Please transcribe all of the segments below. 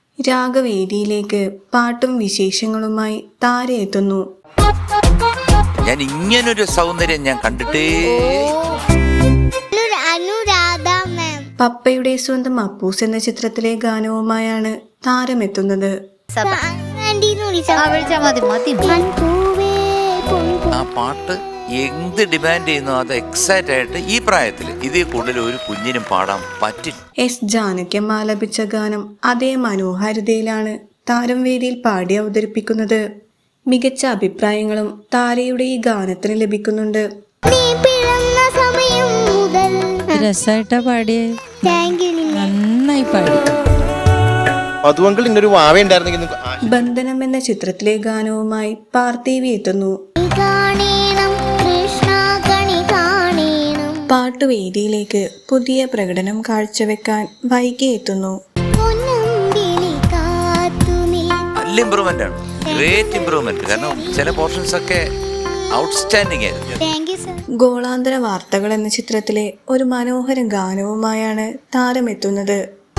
രാഗവേദിയിലേക്ക് പാട്ടും വിശേഷങ്ങളുമായി താര എത്തുന്നു. ഞാൻ ഇങ്ങനൊരു സൗന്ദര്യം ഞാൻ കണ്ടിട്ടേ. പപ്പയുടെ സ്വന്തം അപ്പൂസ് എന്ന ചിത്രത്തിലെ ഗാനവുമായാണ് താരമെത്തുന്നത്. ആ പാട്ട് എന്ത് ഡിമാൻഡ് ചെയ്യുന്നു അത് എക്സൈറ്റ് ആയിട്ട് ഈ പ്രായത്തിൽ ഇതിൽ കൂടുതൽ ഒരു കുഞ്ഞിനും പാടാൻ പറ്റില്ല. എസ് ജാനകിയമ്മ ആലപിച്ച ഗാനം അതേ മനോഹാരിതയിലാണ് താരം വേദിയിൽ പാടി അവതരിപ്പിക്കുന്നത്. മികച്ച അഭിപ്രായങ്ങളും താരയുടെ ഈ ഗാനത്തിന് ലഭിക്കുന്നുണ്ട്. രസായിട്ടാ പാടിയേ, നന്നായി പാടി. ബന്ധനം എന്ന ചിത്രത്തിലെ ഗാനവുമായി പാർത്ഥിവി എത്തുന്നു. പാട്ടുവേദിയിലേക്ക് പുതിയ പ്രകടനം കാഴ്ചവെക്കാൻ വൈകി എത്തുന്നു. നല്ല ഇമ്പ്രൂവ്മെന്റ് ആണ്, ഗ്രേറ്റ് ഇമ്പ്രൂവ്മെന്റ്. കാരണം ചില പോർഷൻസ് ഒക്കെ ഔട്ട്സ്റ്റാൻഡിംഗ് ആയിരുന്നു. ഗോളാന്തര വാർത്തകൾ എന്ന ചിത്രത്തിലെ ഒരു മനോഹര ഗാനവുമായാണ് താരമെത്തുന്നത്.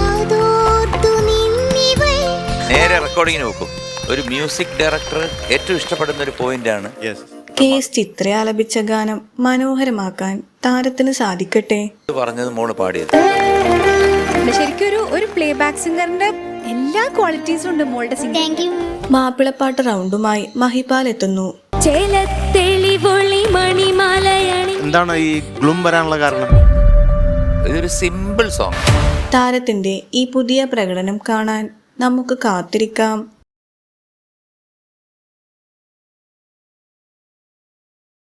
നേരെ റെക്കോർഡിങ്ങിന് നോക്കും. ഒരു മ്യൂസിക് ഡയറക്ടർ ഏറ്റവും ഇഷ്ടപ്പെടുന്ന ഒരു പോയിന്റ് ആണ്. KS ചിത്ര ആലപിച്ച ഗാനം മനോഹരമാക്കാൻ താരത്തിന് സാധിക്കട്ടെ. പറഞ്ഞത് മോള് പാടിയത് ശരിക്കും ഒരു പ്ലേ ബാക്ക് സിംഗറിന്റെ എല്ലാ ക്വാളിറ്റീസും ഉണ്ട് മോളുടെ സിംഗിങ്. മാപ്പിളപ്പാട്ട് റൗണ്ടുമായി മഹിപാൽ എത്തുന്നു. എന്താണ് ഈ ഗ്ലൂം വരാനുള്ള കാരണം? ഇതൊരു സിമ്പിൾ സോങ്. താരത്തിന്റെ ഈ പുതിയ പ്രകടനം കാണാൻ നമുക്ക് കാത്തിരിക്കാം.